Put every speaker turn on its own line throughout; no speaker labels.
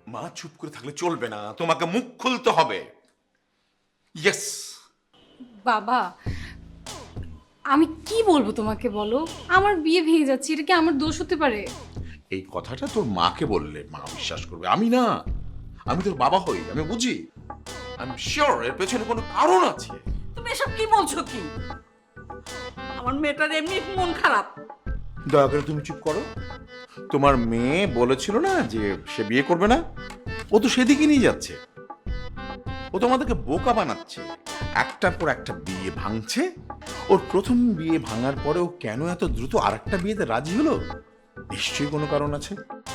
মা চুপ করে থাকলে চলবে না, তোমাকে মুখ খুলতে হবে। ইয়েস।
বাবা আমি কি বলবো তোমাকে, বলো। আমার বিয়ে ভেঙে যাচ্ছে, এটা কি আমার দোষ হতে পারে?
এই কথাটা তোর মাকে বললে মা বিশ্বাস করবে, আমি না। আমি তোর বাবা হই, আমি বুঝি। আমি শিওর এর পেছনে কোনো কারণ আছে।
তুমি এসব কি বলছো কি? আমার মেয়েটার এমনি মন খারাপ।
দয়া করে তুমি চুপ করো। তোমার মেয়ে বলেছিল না যে সে বিয়ে করবে না, ও তো সেদিকে নিয়ে যাচ্ছে। ও তোমাদেরকে বোকা বানাচ্ছে, একটার পর একটা বিয়ে ভাঙছে। ওর প্রথম বিয়ে ভাঙার পরে ও কেন এত দ্রুত আরেকটা বিয়েতে রাজি হলো? নিশ্চয়ই কোনো কারণ আছে।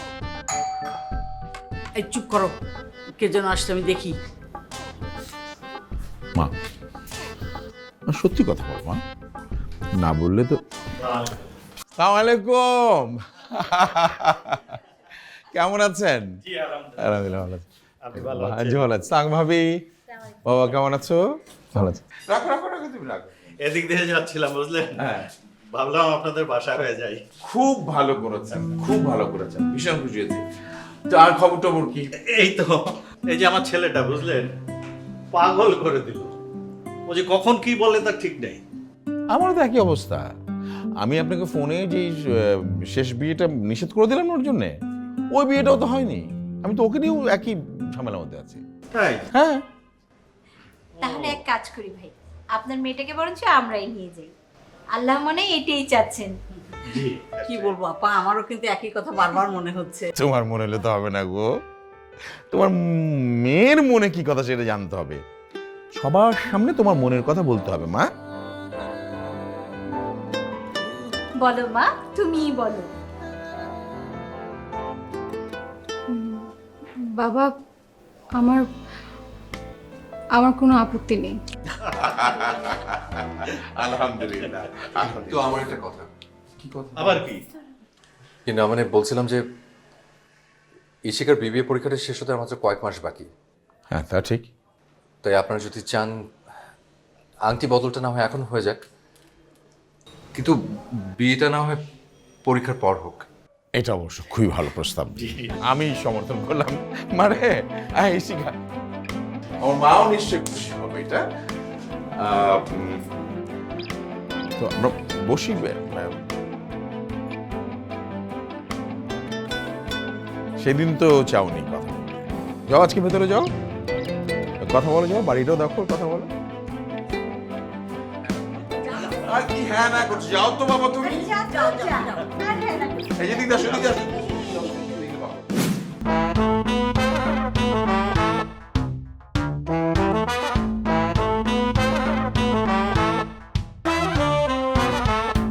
এই চুপ করো, কে যেন আসছে আমি দেখি।
মা, সত্যি কথা বল মা, না বললে তো।
আসসালামু আলাইকুম। কেমন আছেন? আলহামদুলিল্লাহ ভালো আছি। জি ভালো আছি। সাং ভাবি, বাবা কেমন আছো? ভালো আছি।
রাখো রাখো রাখো, তুমি রাখো।
এদিক দিয়ে যাচ্ছিলাম বুঝলেন,
হ্যাঁ,
ভাবলাম আপনাদের বাসায় হয়ে যাই।
খুব ভালো করেছেন, খুব ভালো করেছেন, ভীষণ খুশি হয়েছি। তো আর খবর টবর কি?
এই তো, এই যে আমার ছেলেটা বুঝলেন পাগল করে দিল। ও যে কখন কি বলে তার ঠিক নেই।
আমারও তো একই অবস্থা। আমি আপনাকে ফোনে যে শেষ বিয়েটা নিষেধ করে দিলাম ওর জন্যে, ওই বিয়েটাও তো হয়নি। আমি তো ওকে নিয়েও একই ঝামেলার মধ্যে আছি।
তাই
হ্যাঁ,
তাহলে এক কাজ করি ভাই, আপনার মেয়েটাকে বরঞ্চ আমরাই নিয়ে যাই। আল্লাহ মনে হয় এটাই চাচ্ছেন।
জি,
কি বলবো আপা, আমারও কিন্তু একই কথা বারবার মনে হচ্ছে।
তোমার মনে হলে তো হবে না গো। তোমার মেয়ের মনে কি কথা সেটা জানতে হবে। সবার সামনে তোমার মনের কথা বলতে হবে মা।
বলো মা, তুমিই বলো।
বাবা আমার আমার কোনো আপত্তি নেই।
আলহামদুলিল্লাহ। তো আমার একটা কথা। কি কথা?
আবার কি?
কিন্তু মানে বলছিলাম যে ইশিকার বিবিএ পরীক্ষাটা শেষ হতে আর মাত্র কয়েক মাস বাকি।
হ্যাঁ তা ঠিক।
তাই আপনারা যদি চান আংটি বদলটা না হয় এখন হয়ে যাক, কিন্তু বিয়েটা না হয় পরীক্ষার পর হোক।
এটা অবশ্য খুবই ভালো প্রস্তাব, আমি সমর্থন করলাম। মানে শিখা
আমার মাও নিশ্চয়ই খুশি হবে এটা।
তো আমরা বসি। সেদিন তো চাওনি কথা বলতে। যাও আজকে ভেতরে যাও, কথা বলে যাও, বাড়িটাও দেখো, কথা বলো।
আর কি হ্যাঁ না করছো? যাও তো বাবা তুমি।
যাও, যাও, যাও।
এই যে দিদা, শুনি